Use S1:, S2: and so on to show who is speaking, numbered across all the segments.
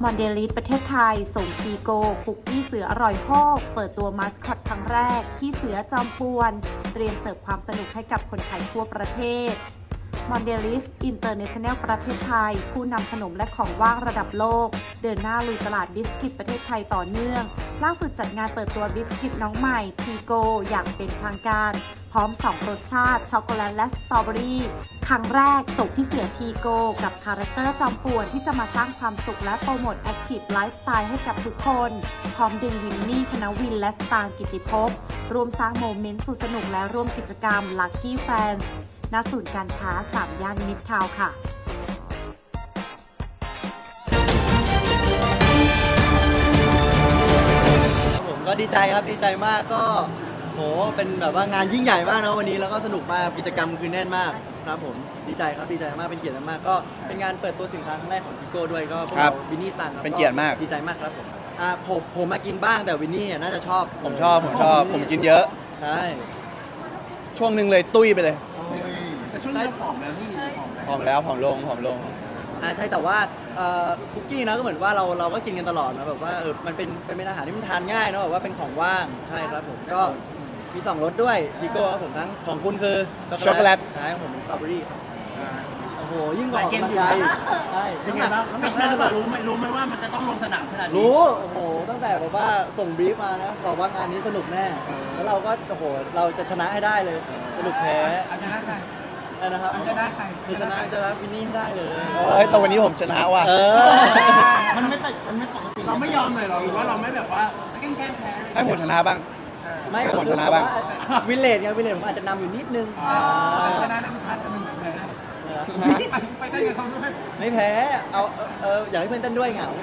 S1: มอนเดลิสประเทศไทยส่งทีโกคุกกี้เสืออร่อยโฮกเปิดตัวมาสคอตครั้งแรกที่เสือจอมปวนเตรียมเสิร์ฟความสนุกให้กับคนไทยทั่วประเทศมอนเดลิสอินเตอร์เนชั่นแนลประเทศไทยผู้นำขนมและของว่างระดับโลกเดินหน้าลุยตลาดบิสกิตประเทศไทยต่อเนื่องล่าสุดจัดงานเปิดตัวบิสกิตน้องใหม่ทีโกอย่างเป็นทางการพร้อม2รสชาติช็อกโกแลตและสตรอเบอรี่ครั้งแรกส่งพี่เสือทีโกกับคาแรคเตอร์จอมป่วนที่จะมาสร้างความสุขและโปรโมทแอคทีฟไลฟ์สไตล์ให้กับทุกคนพร้อมดึงวินนี่ธนวินและสตางค์กิติภพรวมสร้างโมเมนต์สุดสนุกและร่วมกิจกรรม Lucky Fans ณศูนย์การค้า3ย่านมิตรทาวน์ค่ะ
S2: ผมก็ดีใจครับดีใจมากก็โหเป็นแบบว่างานยิ่งใหญ่มากนะวันนี้แล้วก็สนุกมากกิจกรรมคือแน่นมากครับผมดีใจครับดีใจมากเป็นเกียรติมากก็เป็นงานเปิดตัวสินค้าครั้งแรกของทิโก้ด้วยก็พวกเราวินนี่สตางค์ครับ
S3: เป็นเกียรติมาก
S2: ดีใจมากครับผมมากินบ้างแต่วินนี่น่าจะชอบ
S3: ผมชอบผมกินเยอะ
S2: ใช่
S3: ช่วงหนึ่งเลยตุ้ยไปเลย
S4: แต่ช่วงนี้ผอมแล้วนี่ผอมแล้ว
S3: ผอมลง
S2: ใช่แต่ว่าคุกกี้นะก็เหมือนว่าเราก็กินกันตลอดนะแบบว่ามันเป็นอาหารที่มันทานง่ายเนาะแบบว่าเป็นของว่างใช่ครับผมก็มี2รสด้วยทิโก้ครับผมทั้งของคุณคือ
S3: ช็อกโกแลต
S2: ใช่ของผมเป็นสตรอเบอรี่ครับโอ้โหยิ่งกว่าออกกำลังกายใช่
S4: เป็นไงบ้างฟิตแน่นหรือเปล่ารู้ไหมว่ามันจะต้องลงสนามขนาดนี้
S2: รู้โอ้โหตั้งแต่แบบว่าส่งบรีฟมานะบอกว่างานนี้สนุกแน่แล้วเราก็โอ้โหเราจะชนะให้ได้เลยสนุกแพ้
S4: ชนะใคร
S2: นะครับ
S4: ชนะใคร
S2: ชนะวินนี่ได้เลย
S3: แต่วันนี้ผมชนะว่ะ
S4: มันไม่ปกติเราไม่ยอมเลยหรอหรือว่าเราไม่แบบว่าแกล้งแพ้
S3: ให้ผมชนะบ้าง
S2: ไม่
S3: ผมชนะบ้าง
S2: วิลเลจไงวิลเลจผมอาจจะนำอยู่นิดนึง
S4: ชนะแล้วพัดจะมันแพ้ไปเต้นกับเขาด้วย
S2: ไม่แพ้อยากให้เพื่อนเต้นด้วยเหงา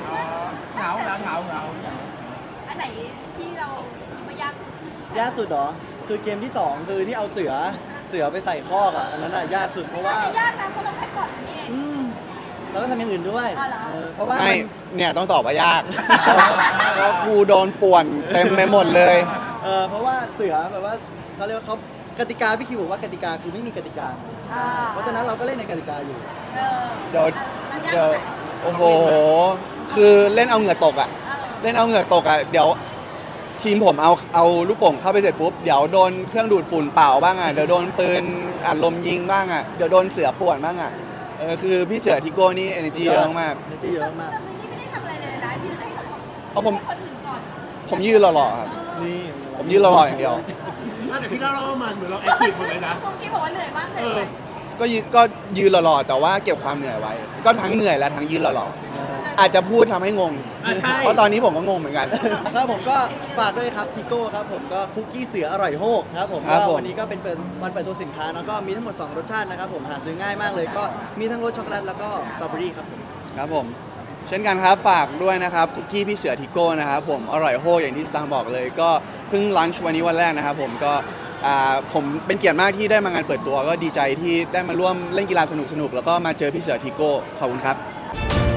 S5: อันไหนที่เราคิดว่ายาก
S2: สุดเหรอคือเกมที่2คือที่เอาเสือไปใส่คอกอ่ะอันนั้นอ่ะยากสุดเพราะว่าย
S5: ากนะเพราะเราแค่กดนี่เอง
S2: แล้วก็ทำอย่างอื่นด้วยเพราะว่า
S3: ไม่เนี่ยต้องตอบว่ายากเพราะกูโดนป่วนเต็มไปหมดเลย
S2: เพราะว่าเสือแบบว่าเขาเรียกว่าเขากติกาพี่คิวบอกว่ากติกาคือไม่มีกติกาเพราะฉะนั้นเราก็เล่นในกติกาอยู่
S3: เดี๋ยวโอ้โหคือเล่นเอาเหงื่อตกอ่ะเล่นเอาเหงื่อตกอ่ะเดี๋ยวทีมผมเอาลูกโป่งเข้าไปเสร็จปุ๊บเดี๋ยวโดนเครื่องดูดฝุ่นเป่าบ้างอ่ะเดี๋ยวโดนปืนอัดลมยิงบ้างอ่ะเดี๋ยวโดนเสือป่วนบ้างอ่ะคือพี่เสือทิโก้นี่ energy เยอะมาก
S2: energy เยอะมาก
S5: แต่วินนี่ไม่ได้ทำอะไรเลยนะยืนให้
S3: เอา
S5: คนอื่นก่อน
S3: ผมยืนหล่อๆครับ
S2: นี่
S3: ผมยืนหล่อๆอย่างเดียว
S4: แต่ที่เรามันเหมือนเราแอคทีฟหมดเลยนะ
S5: ผมกี้บอกว่าเหนื่อยมากเลย
S3: ก็ยืนหล่อๆแต่ว่าเก็บความเหนื่อยไว้ก็ทั้งเหนื่อยและทั้งยืนหล่อๆอาจจะพูดทำให้งงเพราะตอนนี้ผมก็งงเหมือนกัน
S2: ครับผมก็ฝากด้วยครับทิโก้ครับผมก็คุกกี้เสืออร่อยโฮกครับผมวันนี้ก็เป็นวันเปิดตัวสินค้าแล้วก็มีทั้งหมด2รสชาตินะครับผมหาซื้อง่ายมากเลยก็มีทั้งรสช็อกโกแลตแล้วก็สตรอเบอรี่ครับผม
S3: ครับผมเช่นกันครับฝากด้วยนะครับคุกกี้พี่เสือทิโก้นะครับผมอร่อยโฮกอย่างที่สตางค์บอกเลยก็เพิ่งลันช์วันนี้วันแรกนะครับผมก็ผมเป็นเกียรติมากที่ได้มางานเปิดตัวก็ดีใจที่ได้มาร่วมเล่นกีฬาสนุกๆแล้วก็มาเจอพี่เสือทิโก้ขอบคุณครับ